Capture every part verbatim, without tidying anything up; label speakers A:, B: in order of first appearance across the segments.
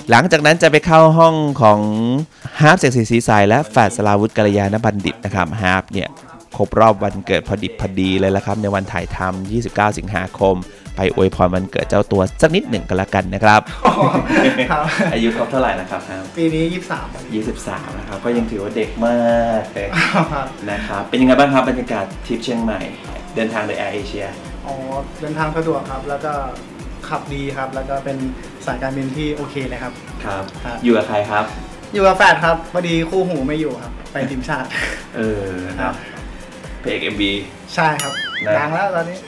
A: หลังจากนั้นจะไปเข้าห้องของฮาร์ปเสกศรีศรีใสและแฟดสราวุธกัลยาณบัณฑิตนะครับฮาร์ปเนี่ยครบรอบวันเกิดพอดิบพอดีเลยละครับในวันถ่ายทำยี่สิบเก้าสิงหาคมไปอวยพรวันเกิดเจ้าตัวสักนิดหนึ่งกันละกันนะครับ อายุครบเท่าไหร่นะครับ
B: ปีนี้ยี่สิบสาม
A: ยี่สิบสามนะครับก็ยังถือว่าเด็กมากเลยนะครับเป็นยังไงบ้างครับบรรยากาศทริปเชียงใหม่เดินทางโดยแอร์เอเชีย
B: อ๋อเดินทางสะดวกครับแล้วก็ขับดีครับแล้วก็เป็นสายการบินที่โอเคเลยครับ
A: ครับอยู่กับใครครับ
B: อยู่กับแฟนครับพอดีคู่หูไม่อยู่ครับไปทีมชาติ
A: เออครับเพลง เอ็ม บี
B: ใช่ครับดังแล้วตอนนี้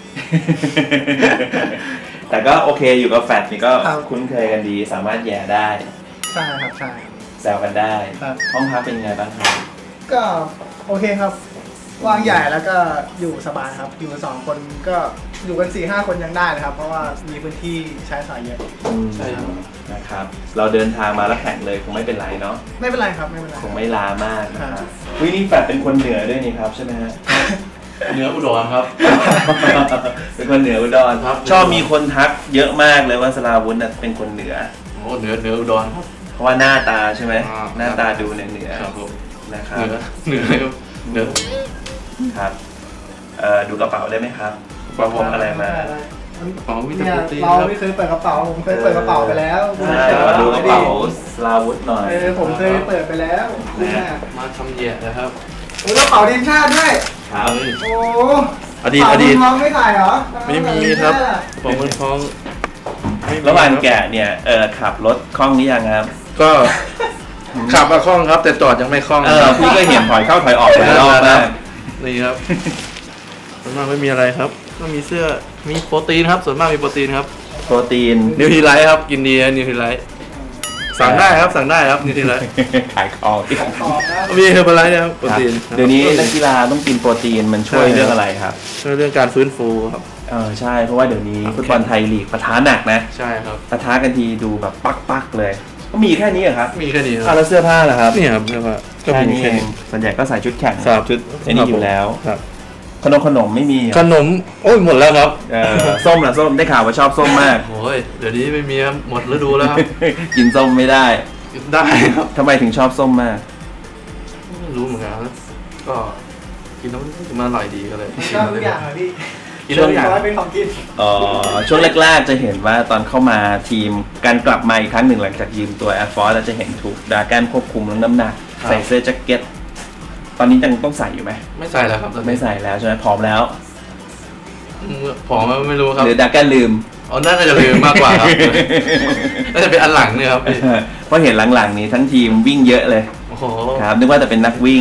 A: แต่ก็โอเคอยู่กับแฟนนี่ก็คุ้นเคยกันดีสามารถแย่ได้
B: ใช่ครับใช่
A: แซวกันได้ห้องพักเป็นยังไงบ้างครับ
B: ก็โอเคครับกว้างใหญ่แล้วก็อยู่สบายครับอยู่กันสองคนก็อยู่กันสี่ห้าคนยังได้นะครับเพราะว่ามีพื้นที่ใช้สอยเยอะ
A: ใช่นะครับเราเดินทางมาแล้วแข่งเลยคงไม่เป็นไรเนาะ
B: ไม่เป็นไรครับไม่เป็นไร
A: คงไม่ล้ามากนะครับวินี่แฟดเป็นคนเหนือด้วยนี่ครับใช่ไหมฮะ
C: เหนืออุดรครับ
A: เป็นคนเหนืออุดรครับชอบมีคนทักเยอะมากเลยว่าสราวุธเป็นคนเหนือ
C: โอ้เหนือเหนืออุดรครับ
A: เพราะว่าหน้าตาใช่ไหมหน้าตาดูเหนือเหนือนะครับ
C: เหนือเหนือ
A: ครับดูกระเป๋าได้ไหมครับกระเป๋าอะไรมาก
B: ระเป๋าวิตามินเราไม่เคยเปิดกระเป๋าผมเคยเปิดกระเป๋าไปแล้ว
A: ใช่มาดูกระเป๋าสราวุธหน่อย
B: ผมเคยเปิดไปแล้ว
C: มาทำเยี่ยนะครับ
B: กระเป๋าทีมชาติด้วย
A: ครับ
B: โอ้
C: อดีตอดีต
B: ท้องไม่ถ่ายเหรอ
C: ไม่มีครับผมมันท้อง
A: ระหว่างแกะเนี่ยเออขับรถคล่องนี้ยังครับ
C: ก็ขับมาคล่องครับแต่จอดยังไม่คล่อง
A: เออพี่ก็เห็นถอยเข้าถอยออกหลายรอบนะ
C: นี่ครับส่วนมากไม่มีอะไรครับก็มีเสื้อมีโปรตีนครับส่วนมากมีโปรตีนครับ
A: โปรตีน
C: นิวทรีไลท์ครับกินดีนะนิวทรีไลท์สั่งได้ครับสั่งได้ครับนิวทรีไลท์
A: ขายของ
C: มีเฮอร์บาไลท์นะครับโปรตีน
A: เดี๋ยวนี้นักกีฬาต้องกินโปรตีนมันช่วยเรื่องอะไรครับ
C: ช่วยเรื่องการฟื้นฟูครับ
A: เออใช่เพราะว่าเดี๋ยวนี้ฟุตบอลไทยลีกปะทะหนักนะ
C: ใช่ครับ
A: ปะทะกันทีดูแบบปักๆเลยก็มีแค่นี้เหรอครับ
C: มีแค่นี้
A: ครับแล้วเสื้อผ้าล่ะครับ
C: นี่ครับเสื้อผ้า
A: ก็มีแค่นี้ส่วนใหญ่ก็ใส่ชุดแข่งชุดไอ้นี่อยู่แล้ว
C: ครับ
A: ขนมขนมไม่มี
C: ขนมโอ้ยหมดแล้วครับ
A: ส้มล่ะส้มได้ข่าวว่าชอบส้มมาก
C: โอ้ยเดี๋ยวนี้ไม่มีครับหมดฤดูแล้วครับ
A: กินส้มไม่ได้
C: ได้ครับ
A: ทำไมถึงชอบส้มมาก
C: ไม่รู้เหมือนกันก็กินแล้วมันอร่อยดีก็เลย
B: ชอบทุกอย่างเลยพี่
A: ช่วง
B: เป็นของกิน
A: อ๋อช่วงแรกๆจะเห็นว่าตอนเข้ามาทีมการกลับมาอีกครั้งหนึ่งหลังจากยืมตัว Air Force เราจะเห็นถูกดาแกนควบคุมเรื่องน้ำหนักใส่เสื้อแจ็คเก็ตตอนนี้ยังต้องใส่อยู่ไหม
C: ไม่ใส่แล้วครับ
A: ไม่ใส่แล้วใช่ไหมผอมแล้ว
C: ผอมไม่รู้ครับ
A: หรือดาแกนลืม
C: อ๋อน่าจะลืมมากกว่าครับน่าจะเป็นอันหลังเนี่ยครับ
A: เพราะเห็นหลังๆนี้ทั้งทีมวิ่งเยอะเลยครับนึกว่าจะเป็นนักวิ่ง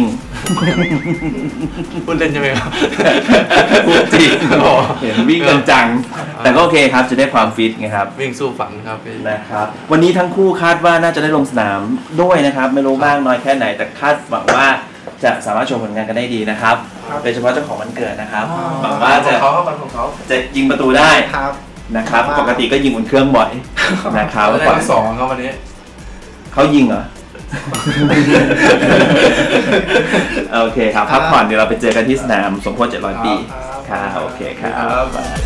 C: พูดเล่นใช่ไหมครับ
A: พูดจริงเห็นวิ่งกันจังแต่ก็โอเคครับจะได้ความฟิตไงครับ
C: วิ่งสู้ฝันครับ
A: นะครับวันนี้ทั้งคู่คาดว่าน่าจะได้ลงสนามด้วยนะครับไม่รู้บ้างน้อยแค่ไหนแต่คาดหวังว่าจะสามารถโชว์ผลงานกันได้ดีนะครับโดยเฉพาะเจ้าของวันเกิดนะครับหวังว่าจะจะยิงประตูได้นะครับปกติก็ยิงบนเครื่องบ่อยนะครับ
C: ได้สองครับวันนี้
A: เขายิงเหรอโอเคครับพักผ่อนเดี๋ยวเราไปเจอกันที่สนามสมโพธิเจ็ดร้อยปีค่ะโอเคครับ